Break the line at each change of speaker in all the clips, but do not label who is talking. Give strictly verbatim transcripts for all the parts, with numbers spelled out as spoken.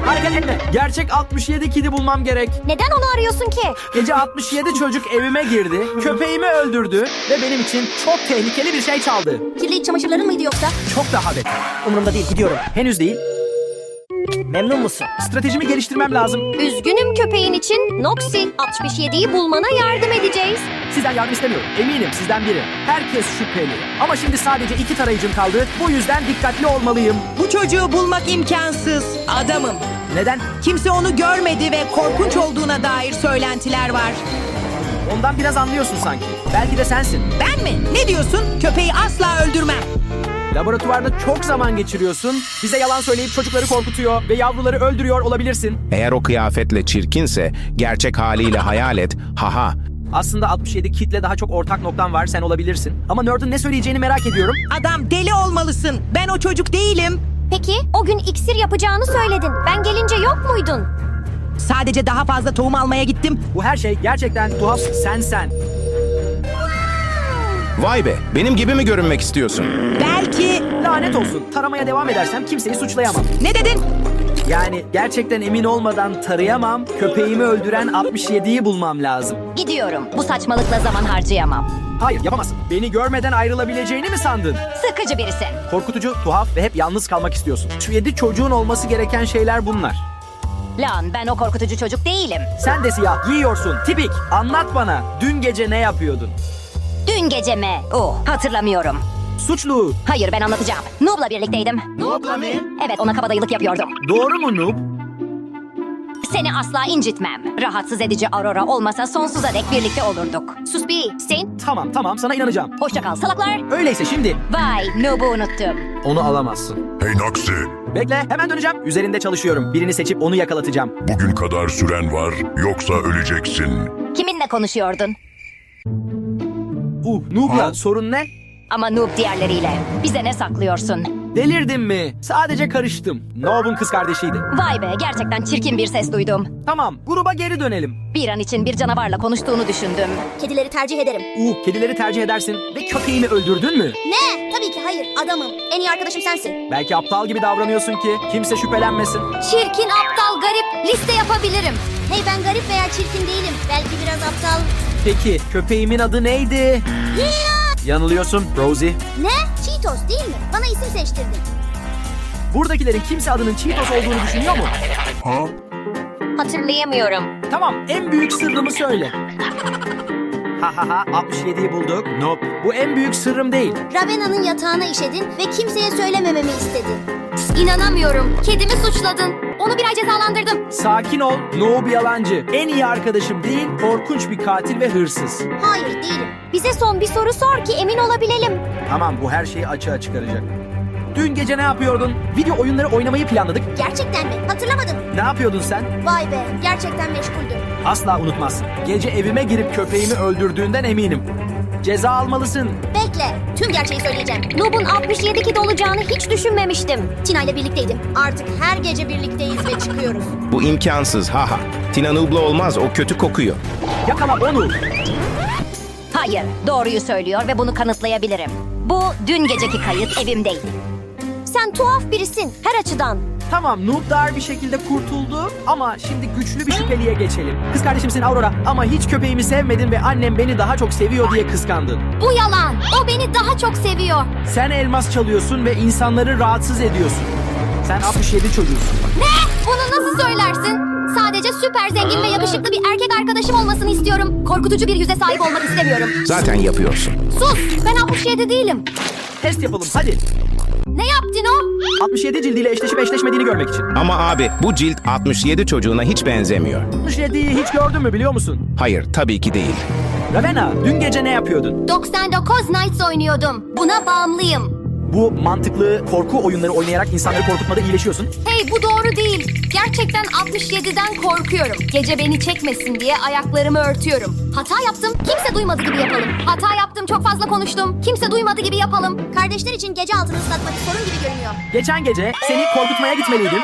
Hareket etme. Gerçek altmış yedi kidi bulmam gerek.
Neden onu arıyorsun ki?
Gece altmış yedi çocuk evime girdi, köpeğimi öldürdü ve benim için çok tehlikeli bir şey çaldı.
Kirli iç çamaşırların mıydı yoksa?
Çok daha beter.
Umurumda değil, gidiyorum.
Henüz değil.
Memnun musun?
Stratejimi geliştirmem lazım.
Üzgünüm köpeğin için. Noxy, altmış yediyi bulmana yardım edeceğiz.
Sizden yardım istemiyorum. Eminim sizden biri. Herkes şüpheli. Ama şimdi sadece iki tarayıcım kaldı. Bu yüzden dikkatli olmalıyım.
Bu çocuğu bulmak imkansız. Adamım.
Neden?
Kimse onu görmedi ve korkunç olduğuna dair söylentiler var.
Ondan biraz anlıyorsun sanki. Belki de sensin.
Ben mi? Ne diyorsun? Köpeği asla öldürmem.
Laboratuvarda çok zaman geçiriyorsun. Bize yalan söyleyip çocukları korkutuyor ve yavruları öldürüyor olabilirsin.
Eğer o kıyafetle çirkinse gerçek haliyle hayal et. Haha.
Aslında altmış yedi kitle daha çok ortak noktan var, sen olabilirsin. Ama Nerd'ın ne söyleyeceğini merak ediyorum.
Adam, deli olmalısın. Ben o çocuk değilim.
Peki, o gün iksir yapacağını söyledin. Ben gelince yok muydun?
Sadece daha fazla tohum almaya gittim.
Bu her şey gerçekten tuhaf, sen sen.
Vay be, benim gibi mi görünmek istiyorsun?
Belki...
Lanet olsun. Taramaya devam edersem kimseyi suçlayamam.
Ne dedin?
Yani gerçekten emin olmadan tarayamam. Köpeğimi öldüren altmış yediyi bulmam lazım.
Gidiyorum. Bu saçmalıkla zaman harcayamam.
Hayır, yapamazsın. Beni görmeden ayrılabileceğini mi sandın?
Sıkıcı birisin.
Korkutucu, tuhaf ve hep yalnız kalmak istiyorsun. Şu yedi çocuğun olması gereken şeyler bunlar.
Lan ben o korkutucu çocuk değilim.
Sen de siyah giyiyorsun. Tipik. Anlat bana. Dün gece ne yapıyordun?
Dün gece mi? Oh, hatırlamıyorum.
Suçlu.
Hayır, ben anlatacağım. Noob'la birlikteydim.
Noob'la mı?
Evet, ona kabadayılık yapıyordum.
Doğru mu Noob?
Seni asla incitmem. Rahatsız edici Aurora olmasa sonsuza dek birlikte olurduk. Sus bir, sen.
Tamam tamam sana inanacağım.
Hoşça kal salaklar.
Öyleyse şimdi
Vay, Noob'u unuttum.
onu alamazsın.
Hey Noxy,
Bekle hemen döneceğim. Üzerinde çalışıyorum. Birini seçip onu yakalatacağım.
bugün kadar süren var, yoksa öleceksin.
Kiminle konuşuyordun?
Uh Noob'la sorun ne?
Ama Noob diğerleriyle. Bize ne saklıyorsun?
Delirdin mi? Sadece karıştım. Noob'un kız kardeşiydi.
Vay be, gerçekten çirkin bir ses duydum.
Tamam gruba geri dönelim.
Bir an için bir canavarla konuştuğunu düşündüm.
Kedileri tercih ederim.
Uh kedileri tercih edersin ve köpeğimi öldürdün mü?
Ne? Tabii ki hayır. Adamım. En iyi arkadaşım sensin.
Belki aptal gibi davranıyorsun ki kimse şüphelenmesin.
Çirkin, aptal, garip. Liste yapabilirim. Hey ben garip veya çirkin değilim. Belki biraz aptal.
Peki köpeğimin adı neydi? Yanılıyorsun Rosie.
Ne? Cheetos değil mi? Bana isim seçtirdin.
Buradakilerin kimse adının Cheetos olduğunu düşünüyor mu?
Hatırlayamıyorum.
Tamam en büyük sırrımı söyle. Ha ha ha altmış yediyi bulduk. Nope. Bu en büyük sırrım değil.
Ravena'nın yatağına işedin ve kimseye söylemememi istedin. İnanamıyorum. Kedimi suçladın. Onu bir ay cezalandırdım.
Sakin ol. Noob yalancı. En iyi arkadaşım değil, korkunç bir katil ve hırsız.
Hayır değilim.
Bize son bir soru sor ki emin olabilelim.
Tamam bu her şeyi açığa çıkaracak. Dün gece ne yapıyordun? Video oyunları oynamayı planladık.
Gerçekten mi? Hatırlamadım.
Ne yapıyordun sen?
Vay be. Gerçekten meşguldüm.
Asla unutmazsın. Gece evime girip köpeğimi öldürdüğünden eminim. Ceza almalısın.
Bekle. Tüm gerçeği söyleyeceğim.
Noob'un altmış yedi kid olacağını hiç düşünmemiştim.
Tina ile birlikteydim. Artık her gece birlikteyiz ve çıkıyoruz.
Bu imkansız, haha. Tina Noob'la olmaz, o kötü kokuyor.
Yakala onu.
Hayır, doğruyu söylüyor ve bunu kanıtlayabilirim. Bu dün geceki kayıt evimdeydi. Sen tuhaf birisin her açıdan.
Tamam Noob dar bir şekilde kurtuldu ama şimdi güçlü bir şüpheliye geçelim. Kız kardeşimsin Aurora ama hiç köpeğimi sevmedin ve annem beni daha çok seviyor diye kıskandın.
Bu yalan. O beni daha çok seviyor.
Sen elmas çalıyorsun ve insanları rahatsız ediyorsun. Sen altmış yedi çocuğusun.
Ne? Bunu nasıl söylersin? Sadece süper zengin ve yakışıklı bir erkek arkadaşım olmasını istiyorum. Korkutucu bir yüze sahip olmak istemiyorum.
Zaten yapıyorsun.
Sus! Ben altmış yedi değilim.
Test yapalım hadi.
Ne yaptın o?
altmış yedi cildiyle eşleşip eşleşmediğini görmek için.
Ama abi, bu cilt altmış yedi çocuğuna hiç benzemiyor.
altmış yediyi hiç gördün mü biliyor musun?
Hayır, tabii ki değil.
Ravena dün gece ne yapıyordun?
doksan dokuz Nights oynuyordum. Buna bağımlıyım.
Bu mantıklı korku oyunları oynayarak insanları korkutmada iyileşiyorsun.
Hey bu doğru değil. Gerçekten altmış yediden korkuyorum. Gece beni çekmesin diye ayaklarımı örtüyorum. Hata yaptım. Kimse duymadı gibi yapalım. Hata yaptım. Çok fazla konuştum. Kimse duymadı gibi yapalım. Kardeşler için gece altını ıslatmak sorun gibi görünüyor.
Geçen gece seni korkutmaya gitmeliydim.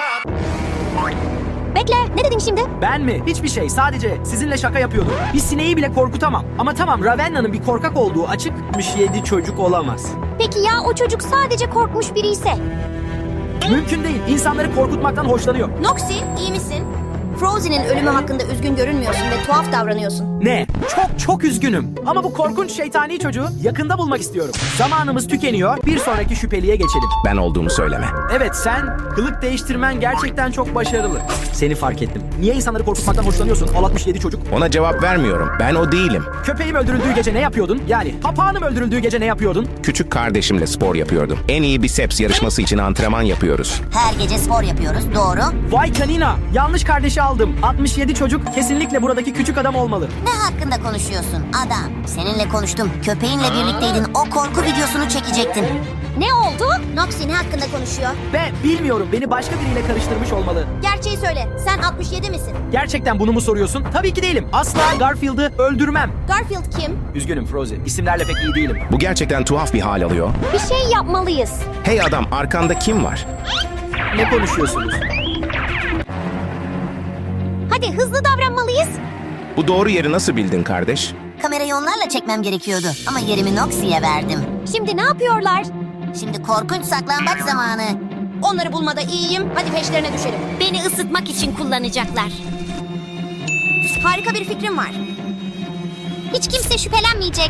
Bekle, ne dedin şimdi?
Ben mi? Hiçbir şey. Sadece sizinle şaka yapıyordum. Bir sineği bile korkutamam. Ama tamam Ravenna'nın bir korkak olduğu açık. altmış yedi çocuk olamaz.
Peki ya o çocuk sadece korkmuş biri ise?
Mümkün değil. İnsanları korkutmaktan hoşlanıyor.
Noxy, iyi misin? Frozen'in ölümü hakkında üzgün görünmüyorsun ve tuhaf davranıyorsun.
Ne? Çok çok üzgünüm. Ama bu korkunç şeytani çocuğu yakında bulmak istiyorum. Zamanımız tükeniyor. Bir sonraki şüpheliye geçelim.
Ben olduğumu söyleme.
Evet, sen kılık değiştirmen gerçekten çok başarılı. Seni fark ettim. Niye insanları korkutmaktan hoşlanıyorsun? Al altmış yedi çocuk.
Ona cevap vermiyorum. Ben o değilim.
Köpeğim öldürüldüğü gece ne yapıyordun? Yani papağanım öldürüldüğü gece ne yapıyordun?
Küçük kardeşimle spor yapıyordum. En iyi biceps yarışması için antrenman yapıyoruz.
Her gece spor yapıyoruz, doğru.
Vay canina! Yanlış kardeşi aldım. altmış yedi çocuk kesinlikle buradaki küçük adam olmalı.
Ne hakkında konuşuyorsun adam? Seninle konuştum. Köpeğinle birlikteydin. O korku videosunu çekecektim.
Ne oldu?
Noxy ne hakkında konuşuyor?
Ve bilmiyorum, beni başka biriyle karıştırmış olmalı.
Gerçeği söyle. Sen altmış yedi misin?
Gerçekten bunu mu soruyorsun? Tabii ki değilim. Asla Garfield'ı öldürmem.
Garfield kim?
Üzgünüm Frozen. İsimlerle pek iyi değilim.
Bu gerçekten tuhaf bir hal alıyor.
Bir şey yapmalıyız.
Hey adam, arkanda kim var?
Ne konuşuyorsunuz?
Hadi hızlı davranmalıyız.
Bu doğru yeri nasıl bildin kardeş?
Kamerayı onlarla çekmem gerekiyordu. Ama yerimi Noxy'ye verdim.
Şimdi ne yapıyorlar?
Şimdi korkunç saklambaç zamanı. Onları bulmada iyiyim. Hadi peşlerine düşelim.
Beni ısıtmak için kullanacaklar.
Harika bir fikrim var.
Hiç kimse şüphelenmeyecek.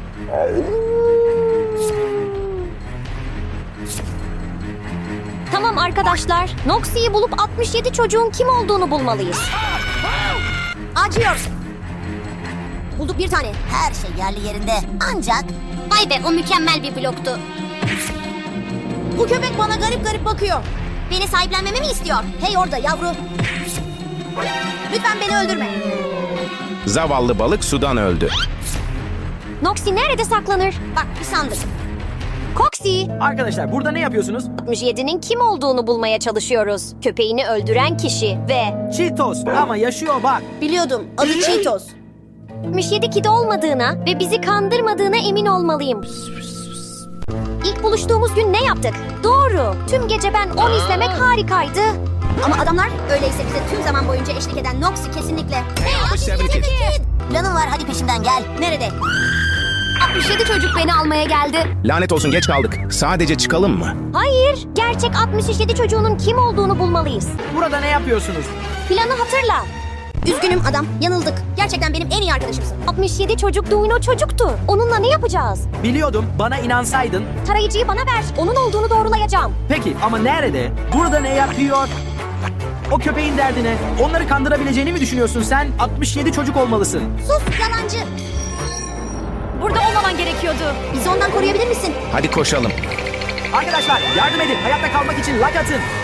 Tamam arkadaşlar. Noxy'yi bulup altmış yedi çocuğun kim olduğunu bulmalıyız.
Acıyor. Bulduk bir tane. Her şey yerli yerinde. Ancak
Vay be, o mükemmel bir bloktu.
bu köpek bana garip garip bakıyor. Beni sahiplenmemi mi istiyor? Hey orada yavru. Lütfen beni öldürme.
Zavallı balık sudan öldü.
Noxy nerede saklanır?
Bak bir sandık.
Coxy,
Arkadaşlar, burada ne yapıyorsunuz?
altmış yedinin kim olduğunu bulmaya çalışıyoruz. Köpeğini öldüren kişi ve
Cheetos. Ama yaşıyor bak.
Biliyordum. Adı Cheetos.
altmış yedi kidi olmadığına ve bizi kandırmadığına emin olmalıyım. İlk buluştuğumuz gün ne yaptık? Doğru. Tüm gece ben on izlemek harikaydı.
Ama adamlar öyleyse bize tüm zaman boyunca eşlik eden Noxy kesinlikle.
altmış yedi kid.
Planın var, hadi peşinden gel. Nerede?
altmış yedi çocuk beni almaya geldi.
Lanet olsun, geç kaldık. Sadece çıkalım mı?
Hayır, gerçek altmış yedi çocuğunun kim olduğunu bulmalıyız.
Burada ne yapıyorsunuz?
Planı hatırla.
Üzgünüm adam, yanıldık. Gerçekten benim en iyi arkadaşımsın.
altmış yedi çocuk Duino çocuktu. Onunla ne yapacağız?
Biliyordum. Bana inansaydın.
Tarayıcıyı bana ver. Onun olduğunu doğrulayacağım.
Peki ama nerede? Burada ne yapıyor? O köpeğin derdine. Onları kandırabileceğini mi düşünüyorsun sen? altmış yedi çocuk olmalısın.
Sus yalancı.
Burada olmaman gerekiyordu.
Bizi ondan koruyabilir misin?
Hadi koşalım.
Arkadaşlar, yardım edin. Hayatta kalmak için like atın.